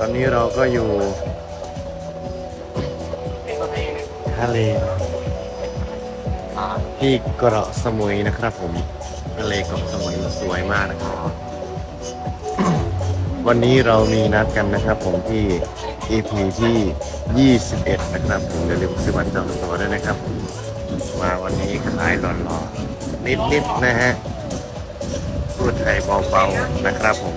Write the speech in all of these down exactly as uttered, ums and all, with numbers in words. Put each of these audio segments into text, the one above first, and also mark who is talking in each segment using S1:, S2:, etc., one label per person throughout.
S1: อนนี้เราก็อยู่ทะเลที่เกาะสมุยนะครับผมทะเลเกาะสมุยสวยมากนะครับวันนี้เรามีนัดกันนะครับผมที่ อี พี ที่ยี่สิบเอ็ดนะครับผมอย่าลืมซื้อบัตรจองตั๋วด้วยนะครับมาวันนี้ขายหล่อๆนิดๆนะฮะพูดไทยเบาๆนะครับผม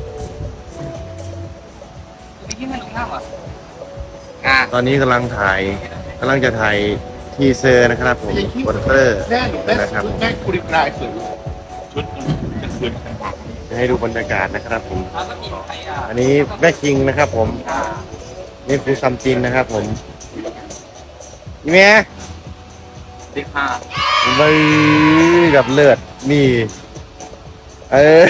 S1: ตอนนี้กำลังถ่ายกำลังจะถ่ายทีเซอร์นะครับผมโปสเตอร์นะครับผมจะให้ดูบรรยากาศนะครับผมอันนี้แม่คิงนะครับผมนี่คือซัมจินนะครับผมนี่แม่
S2: ติ๊กห้า
S1: ใบกับเลือดนี่เออ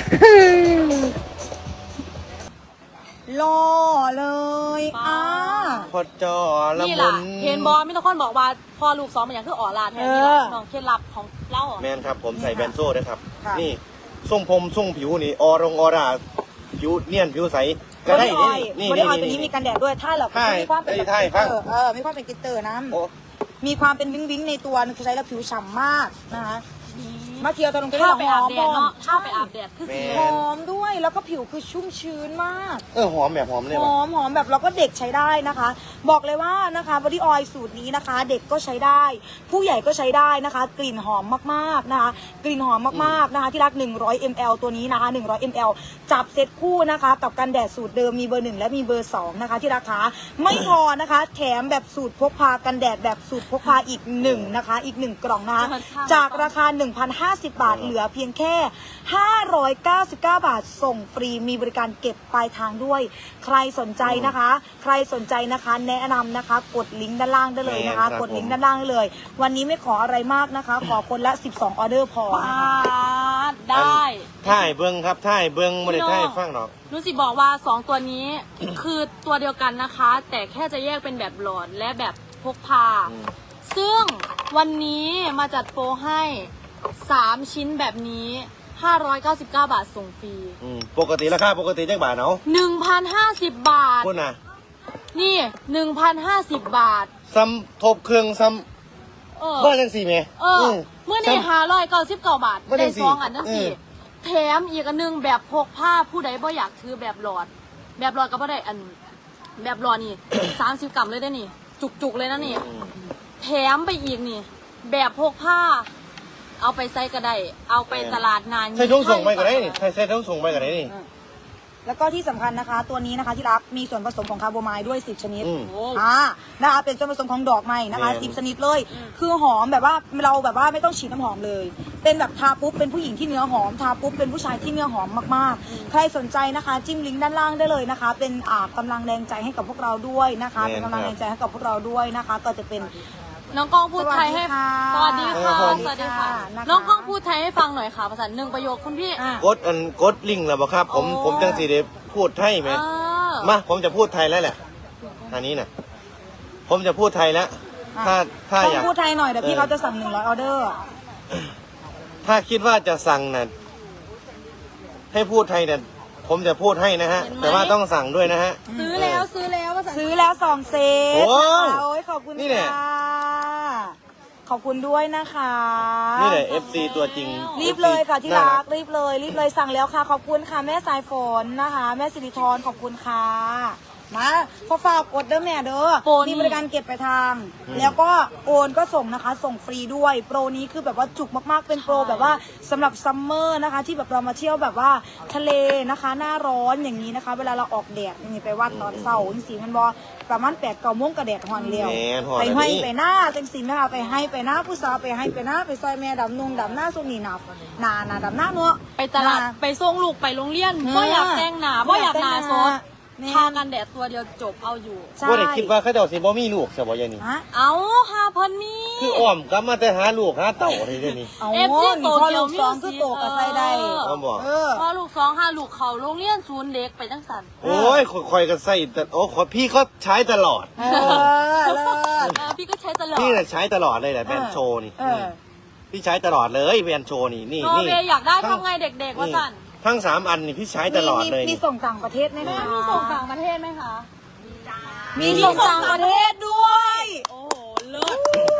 S3: รอเลยอ่ะ
S1: พอจอละ
S4: นี่
S1: มุ
S4: ล่ะ
S1: น
S4: เห็นบอลมิตรคนบอกว่าพอลูกสองมันอย่างคืออ๋อลาแทนนี่ล่ะน้องเคล็ดลับของเล่า
S1: แมนครับผมใส่แบนโซ่ด้วยครับนี่ทรงผมทรงผิวนี่ออรงออร่าผิวเนียนผิวใสก็ได้นี่นี่
S3: นี่
S1: นี่
S3: ตัวนี้มีกันแดดด้วยถ้าเรามีความเป็นเออเออมีความเป็นกิตเตอร์นะมีความเป็นวิ้งวิ้งในตัวคือใช้แล้วผิวฉ่ำมากนะคะมาเที่ยวตอนลงไป
S4: ข้า
S3: เรา
S4: ไป
S3: ห
S4: อา
S3: อบ ม
S4: แดดเนาะข้าไปอาบแดดคือสี
S3: หอมด้วยแล้วก็ผิวคือชุ่มชื้นมาก
S1: เออหอมแบบหอมเลย
S3: หอมหอมแบบเราก็เด็กใช้ได้นะคะบอกเลยว่านะคะบอดี้ออยล์สูตรนี้นะคะ เด็กก็ใช้ได้ ผู้ใหญ่ก็ใช้ได้นะคะ กลิ่นหอมมากๆนะคะกลิ่นหอมมากๆนะคะที่รักหนึ่งร้อยมิลลิลิตร ตัวนี้นะคะหนึ่งร้อยมิลลิลิตร จับเซตคู่นะคะกับกันแดดสูตรเดิมมีเบอร์หนึ่งและมีเบอร์สองนะคะที่ราคาไม่พอนะคะแถมแบบสูตรพกพากันแดดแบบสูตรพกพาอีกหนึ่งนะคะอีกหนึ่งกล่องนะคะจากราคา หนึ่งพันห้าสิบบาทเหลือเพียงแค่ห้าร้อยเก้าสิบเก้าบาทส่งฟรีมีบริการเก็บปลายทางด้วยใครสนใจนะคะใครสนใจนะคะแนะนำนะคะกดลิงก์ด้านล่างได้เลยนะคะกดลิงก์ด้านล่างได้เลยวันนี้ไม่ขออะไรมากนะคะขอคนละสิบสองออเดอร์พอ
S4: ได้
S1: ท่ายเบิ้งครับท่ายเบิ้งไม่ได้ท่ายฟังหรอก
S4: นุสิบอกว่าสองตัวนี้ คือตัวเดียวกันนะคะ แต่แค่จะแยกเป็นแบบหลอดและแบบพกพาซึ่งวันนี้มาจัดโปรให้สามชิ้นแบบนี้ห้าร้อยเก้าสิบเก้าบาทส่งฟรี
S1: ปกติราคาปกติจังบาทเนาะ
S4: หนึ่งพันห้าสิบบาท
S1: คุณน่ะ
S4: นี่ หนึ่งพันห้าสิบบาท
S1: ซ้ำทบเครื่องซ้ำบ้านจังสี่เม
S4: เออเมื่อนี่ห้าร้อยเก้าสิบเก้าบาทได้สองอันนั่นสิแถมอีกอันนึงแบบพกผ้าผู้ใดบ่อยากถือแบบหลอดแบบหลอดก็บ่ได้อันแบบหลอดนี่ สามสิบกรัมเลยได้นี่จุกๆเลยนะนี่แถมไปอีกนี่แบบพกผ้าเอาไปใส่ก็ได้เอาไปตลาดนาน
S1: ใส่ทุ่งส่งไปก็ได้นี่ใส่ใส่ทุ่งส่งไปก็ได้นี่
S3: แล้วก็ที่สำคัญนะคะตัวนี้นะคะที่รักมีส่วนผสมของคาร์โบไมด์ด้วยสิบชนิดอ่านะคะเป็นส่วนผสมของดอกไม้นะคะสิบชนิดเลยคือหอมแบบว่าเราแบบว่าไม่ต้องฉีดน้ำหอมเลยเป็นแบบทาปุ๊บเป็นผู้หญิงที่เนื้อหอมทาปุ๊บเป็นผู้ชายที่เนื้อหอมมากๆใครสนใจนะคะจิ้มลิงก์ด้านล่างได้เลยนะคะเป็นอ่ากำลังแรงใจให้กับพวกเราด้วยนะคะเป็นกำลังแรงใจให้กับพวกเราด้วยนะคะก็จะเป็น
S4: น้องกล้องพูดไทยให้สวัสดีค่ะสวัสดีค่ะน้องกล้องพูดไทยให้ฟังหน่อยค่ะภาษาหนึ่งประโยคคุณพี่
S1: กดอันกดลิงก์แล้วบ่ครับผมผมจังสีเดพูดไทยไหมมาผมจะพูดไทยแล้วแหละอันนี้นะผมจะพูดไทยแล้วถ้าถ้าอยาก
S3: พูดไทยหน่อยเดี๋ยวพี่เขาจะสั่งหนึ่งร้อยออเดอร์
S1: ถ้าคิดว่าจะสั่งน่ะให้พูดไทยเนี่ยผมจะพูดให้นะฮะแต่ว่าต้องสั่งด้วยนะฮะ
S4: ซื้อแล้วซื้อแล้ว
S3: ซื้อแล้วสองเซตโอ้ยขอบคุณค่ะขอบคุณด้วยนะคะ
S1: นี่แหละ เอฟ ซี ตัวจริง
S3: รีบเลยค่ะที่รักรีบเลยรีบเลยสั่งแล้วค่ะขอบคุณค่ะแม่สายฝนนะคะแม่สิริธรขอบคุณค่ะมาพอฝากกดเด้อแม่เด้อมีบริการเก็บไปทางแล้วก็โอนก็ส่งนะคะส่งฟรีด้วยโปรนี้คือแบบว่าจุกมากๆเป็นโปรแบบว่าสำหรับซัมเมอร์นะคะที่แบบเรามาเที่ยวแบบว่าทะเลนะคะหน้าร้อนอย่างนี้นะคะเวลาเราออกแดดนี่ไปวัดตอนเช้าจริงๆมันบอประมาณแปดเก้าโมงกระแดดหอนเลี้ยวไปให้ไปหน้าจังสินะคะไปให้ไปหน้าผู้สาวไปให้ไปหน้าไปซอยแม่ดำนุ่งดำหน้าสุนีหนาหนาหนาดำหน้าเนาะ
S4: ไปตลาดไปส่งลูกไปโรงเรียนบ่อยากแต่งหนาบ่อยากหนาซดทากันแดดตัวเดียวจบเอาอยู่
S1: ว่าได้คิดว่าเขาจะสิบ่มีลูกใช่บ่ยายนี่
S4: เอาหาพันมี
S1: คืออ้อมกลับมาแต่หาลูกหาเต่าอะไรเดี๋ยวนี้
S3: เอฟซีโตเกียวสองคือโตกับใส่ได้
S4: พอลูกสองห้าลูกเขาโรงเรียนศูนย์เด็กไปจังสัน
S1: โอ้ยคอยกันใส่แต่โอ้ขอพี่เขาใช้ตลอด
S3: เออเลิศ
S4: พี่ก็ใช้ตลอด
S1: พี่เนี่ยใช้ตลอดเลยแหละแบรนด์โชว์นี่พี่ใช้ตลอดเลยแบรนด์โชว์นี่นี่นี่
S4: อยากได้ทำไงเด็กๆว่าสัน
S1: ทั้งสามอันนี่พี่ใช้ตลอดเลย
S3: มีมีส่งต่างประเทศไหมคะ
S4: มีส่งต่างประเทศไหมคะ
S3: มีส่งต่างประเทศด้วย
S4: โอ้โหเลิศ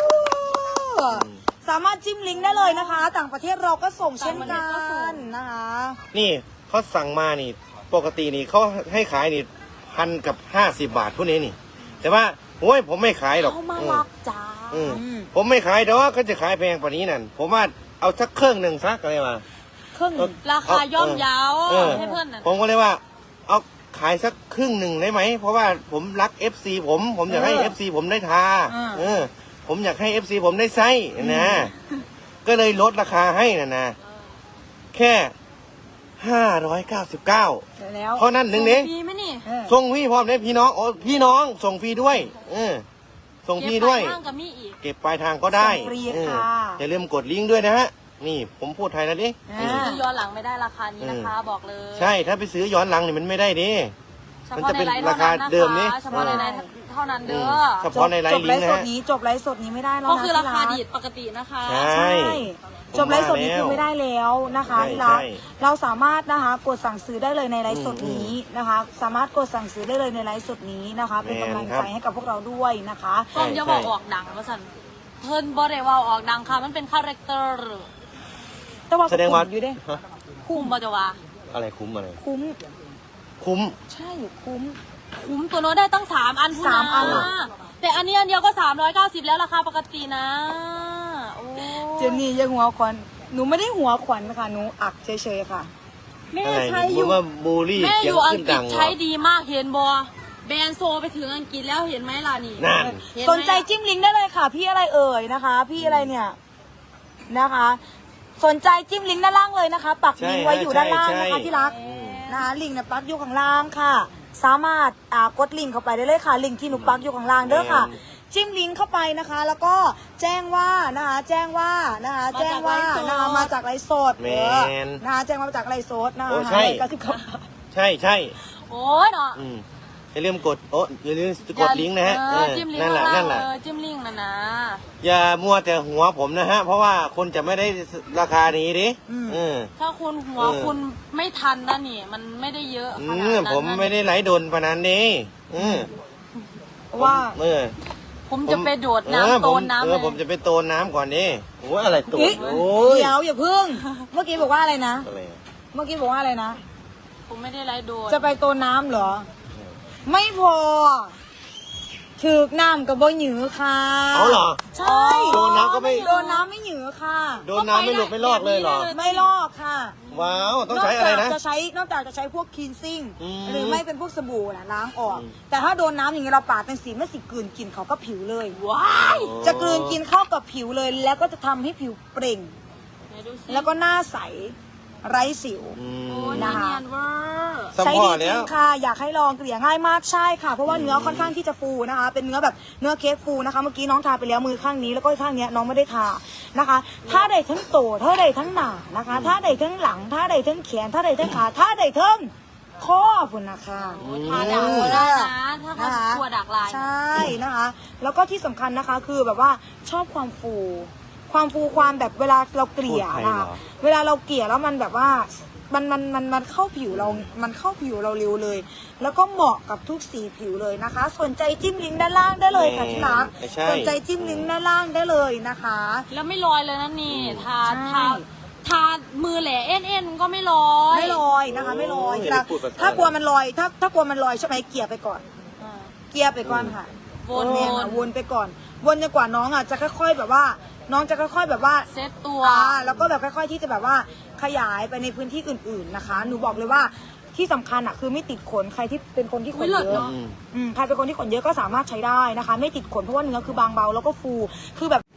S3: สามารถจิ้มลิงก์ได้เลยนะคะ ต่างประเทศเราก็ส่งเช่นกั
S4: ต่างประเทศก็ส่
S3: น
S4: ง
S3: นะคะ
S1: นี่เขาสั่งมานี่ ปกตินี่เขาให้ขายนี่พันกับห้าสิบบาทพวกนี้นี่ แต่ว่าโอ้ยผมไม่ขายหรอก
S4: เขามารักจ้า
S1: อืมอืมผมไม่ขายดอกเขาจะขายแพงกว่านี้นั่นผมว่าเอาสักเครื่องหนึ่งสักอะไรมา
S3: เครื่อง
S1: เอา
S4: ราคาย่อมเยาว
S1: เออ
S4: ให้เพื่อนน่ะ
S1: ผมก็เลยว่า เอาขายสักครึ่งหนึ่งได้ไหม เพราะว่าผมรัก เอฟ ซี ผม ผมอยากให้ เอฟ ซี ผมได้ทาเออ ผมอยากให้ เอฟ ซี ผมได้ใช้นะ ก็เลยลดราคาให้นะนะ แค่ห้าร้อยเก้าสิบเก้า
S3: แล้ว
S1: เพราะนั้นหนึ่งนี้
S4: มีไหมนี่
S3: เออ
S1: ส่งฟรีพร้อมได้พี่น้องโอ้พี่น้องส่งฟรีด้วย เออ ส่งฟรีด้วย
S4: เก็บปลาทางกับมีอีก
S1: เก็บปลายทางก็ได้
S3: ส่งฟรี
S1: เออ
S3: ค่ะ
S1: อย่าลืมกดลิงก์ด้วยนะฮะ นี่ผมพูดไทยแล้วดิ
S3: อ่า
S4: ซื้อย้อนหลังไม่ได้ราคานี้นะคะ บอกเลย
S1: ใช่ ถ้าไปซื้อย้อนหลังนี่มันไม่ได้ดิ
S4: เฉ
S1: มัน
S4: พาะ
S1: จะ
S4: ใน
S1: เป็น
S4: ไลน์
S1: รา
S4: เท่า
S1: คา
S4: นั้น
S1: เดิมนี่
S4: นะคะเฉพาะในไลน์เท่านั้นเด้อ
S1: เฉพาะในไล
S3: จ
S1: น์
S3: บ
S1: ลิ
S3: ไล
S1: งก์
S3: ฟ์
S1: นะ
S3: สด
S1: ฮะ
S3: นี้จบไลฟ์สดนี้ไม่ได้แล้ว
S4: ก็
S3: นะ
S4: คือราคา
S3: ที่
S4: ดีดปกตินะคะ
S1: ใช่
S3: ใช่จบไลฟ์สดนี้คือไม่ได้แล้วนะคะ
S1: ใช่
S3: ที่รัก
S1: ใช่
S3: เราสามารถนะคะกดสั่งซื้อได้เลยในไลฟ์สดนี้นะคะ สามารถกดสั่งซื้อได้เลยในไลฟ์สดนี้นะคะ เป็นกำลังใจให้กับพวกเราด้วยนะคะ
S4: กล้องจะบอกออกดังว่าสันเพิ่นบ่ได้ว่าออกดังค่ะ มันเป็นคาแรคเตอร์
S3: แต่ว่า
S1: แสดงว่า
S3: คุ้มอยู่เด้
S1: ฮะ
S4: คุ้มบ่จะว่า
S1: อะไรคุ้มอะไร
S3: คุ้ม
S1: คุ้ม
S3: ใช่คุ้ม
S4: คุ้มตัวโน้ตได้ตั้งสามอันพุ่น
S3: สามอัน
S4: นะแต่อันนี้อันเดียวก็สามร้อยเก้าสิบแล้วราคาปกตินะโอ้
S3: เจนนี่ยังหัวขวัญหนูไม่ได้หัวขวัญค่ะหนูอักเฉยๆค่ะ
S4: แม่
S1: อะไร
S4: ใช้อ
S1: ผ
S4: ยู่
S1: มว่าบูลลี่
S4: แม่อ
S1: เสียง
S4: ยู่อัง
S1: ขึ้น
S4: กฤ
S1: ดั
S4: ษ
S1: ง
S4: ใช้ดีมากเห็นบอแบรนด์โซไปถึงอังกฤษแล้วเห็นไหมล่ะนี่
S1: นั่น
S4: เห็นไหม
S3: สนใจจิ้มลิงก์ได้เลยค่ะ พี่อะไรเอ่ยนะคะ พี่อะไรเนี่ยนะคะ สนใจจิ้มลิงก์ด้านล่างเลยนะคะ ปักลิงก์ไว้อยู่ด้านล่างนะคะที่รักนะคะลิงก์เนี่ยปักอยู่ข้างล่างค่ะ สามารถอ่ากดลิงก์เข้าไปได้เลยค่ะลิงก์ที่หนูปักอยู่ข้างล่างเด้อค่ะ จิ้มลิงก์เข้าไปนะคะ แล้วก็แจ้งว่านะคะแจ้งว่านะคะแจ้งว่านะคะมาจากไลฟ์สด
S1: แม
S3: เออน นะคะแจ้งว่ามาจากไลฟ์สดนะคะ
S1: โอ้ใช่
S3: เก้าสิบเก้า
S1: ใช่ใช่
S4: โอ้ยเนาะ
S1: อืมอย่าลืมกดโอ้อย่าลืมกดลิงก์นะฮะ
S4: เอ
S1: เอ
S4: อ
S1: อ
S4: จิ้มลิงก์
S1: นั่นแหละ
S4: ข้างล่า
S1: นั่
S4: ง
S1: นแหละ
S4: เออจิ้มลิงก์นะนะ
S1: อย่ามัวแต่หัวผมนะฮะ เพราะว่าคนจะไม่ได้ราคานี้ดิเออ
S4: ถ้าคุณหัว
S1: เออ
S4: คุณไม่ทันนะนี่ มันไม่ได้เยอะ
S1: อื
S4: ขนาด
S1: ม
S4: นั้น
S1: ผมไม่ได้ไหลโดนพนันนี้อืม
S3: ว่า
S1: เออ
S4: ผมจะไปโดด
S1: เออ
S4: น้ำโต
S1: ผม
S4: นน้ำ
S1: เอ
S4: เล
S1: อย ผมจะไปโตนน้ำก่อนนี่โอ้ยอะไรโตน
S3: เฮ้ย
S1: โอ้ย
S3: เดี๋ยวอย่าพึ่ง เมื่อกี้บอกว่าอะไรนะ
S1: อะไรอะ
S3: เมื่อกี้บอกว่าอะไรนะ
S4: ผมไม่ได้ไล่โดด
S3: จะไปโตนน้ำเหรอ ไม่พอถึกน้ำกับบ่หยือค่ะ
S1: เอาเหรอ
S3: ใช่
S1: โดนน้ำก็ไม่
S3: โดนน้ำไม่หยือค่ะ
S1: โดนน้ำไม่หลุดไม่รอดเลยเหรอ
S3: ไม่ลอกค่ะ
S1: ว้าว ต้องใช้อะไร
S3: น
S1: นะ
S3: อกจากจะใช้นอกจากจะใช้พวกคีนซิ่ง
S1: อืม
S3: หรือไม่เป็นพวกสบู่นะล้างออก
S1: อืม
S3: แต่ถ้าโดนน้ำอย่างเงี้ยเราปาดเป็นสีไม่สิกลืนกินเขาก็ผิวเลย
S4: ว้าย
S3: จะกลืนกินเข้ากับผิวเลย แล้วก็จะทำให้ผิวเปล่ง
S4: ไหนดูสิ
S3: แล้วก็หน้าใสไร้สิว
S1: อื
S4: โอ้
S1: ม
S4: ย
S3: นะ
S4: เนี
S3: คะ
S4: ยนเวอร์
S1: สัม
S3: ใช้
S1: พ
S3: ดี
S1: อ
S3: จ
S1: แล้
S3: ริ
S1: ว
S3: งค่ะ อยากให้ลองเกลี่ยง่ายมากใช่ค่ะ เพราะว่าเนื้อค่อนข้างที่จะฟูนะคะ เป็นเนื้อแบบเนื้อเค้กฟูนะคะ เมื่อกี้น้องทาไปแล้วมือข้างนี้แล้วก็ข้างเนี้ยน้องไม่ได้ทานะคะถ้าใดทั้งโตถ้าใดทั้งหนานะคะถ้าใดทั้งหลังถ้าใดทั้งแขนถ้าใดทั้งขาถ้าใดทั้งข้อพุ่นนะคะ
S4: โอ้ยทาดักก็ได้นะ ถ้าเขา
S3: นะคะ
S4: กลัวดักลาย
S3: ใช่นะคะ แล้วก็ที่สำคัญนะคะคือแบบว่าชอบความฟู ความฟูความแบบเวลาเราเกลี่ย
S1: พูดไทย
S3: นะ
S1: เหร
S3: คะ
S1: อ
S3: เวลาเราเกลี่ยแล้วมันแบบว่ามันมันมันมันเข้าผิวเรา มันเข้าผิวเราเร็วเลย แล้วก็เหมาะกับทุกสีผิวเลยนะคะ สนใจจิ้มลิงก์ด้านล่างได้เลยค่ะที่รัก
S1: ไม่ใช่
S3: สนใจจิ้มลิงก์ด้านล่างได้เลยนะคะ
S4: แล้วไม่ลอยเลยนะนี่ ทา
S3: ใช่
S4: ทาทามือแหล่เอ็นเอ็นก็ไม่ลอย
S3: ไม่ลอยนะคะ ไม่ลอย
S1: โอ้ย
S3: ที่รัก
S1: พูดภาษา
S3: ถ้ากลัวมันลอย ถ้าถ้ากลัวมันลอยใช่ไหมเกลี่ยไปก่อน
S4: อ่า
S3: เกลี่ยไปก่อนค่ะ
S4: วน
S3: เออ
S4: วน
S3: วนไปก่อน วนจนกว่าน้องอ่ะจะค่อยๆแบบว่า น้องจะค่อย ๆ แบบว่า
S4: เซตตัว
S3: อ่าแล้วก็แบบค่อย ๆ ที่จะแบบว่าขยายไปในพื้นที่อื่น ๆนะคะ หนูบอกเลยว่าที่สำคัญอ่ะคือไม่ติดขนใครที่เป็นคนที่ข
S4: อุ๊
S3: น
S4: ยเลิศ
S3: เยอะ
S4: เนอะ
S1: อืม
S3: อืมใครเป็นคนที่ขนเยอะก็สามารถใช้ได้นะคะ ไม่ติดขนเพราะว่าเนื้อคือบางเบาแล้วก็ฟูคือแบบ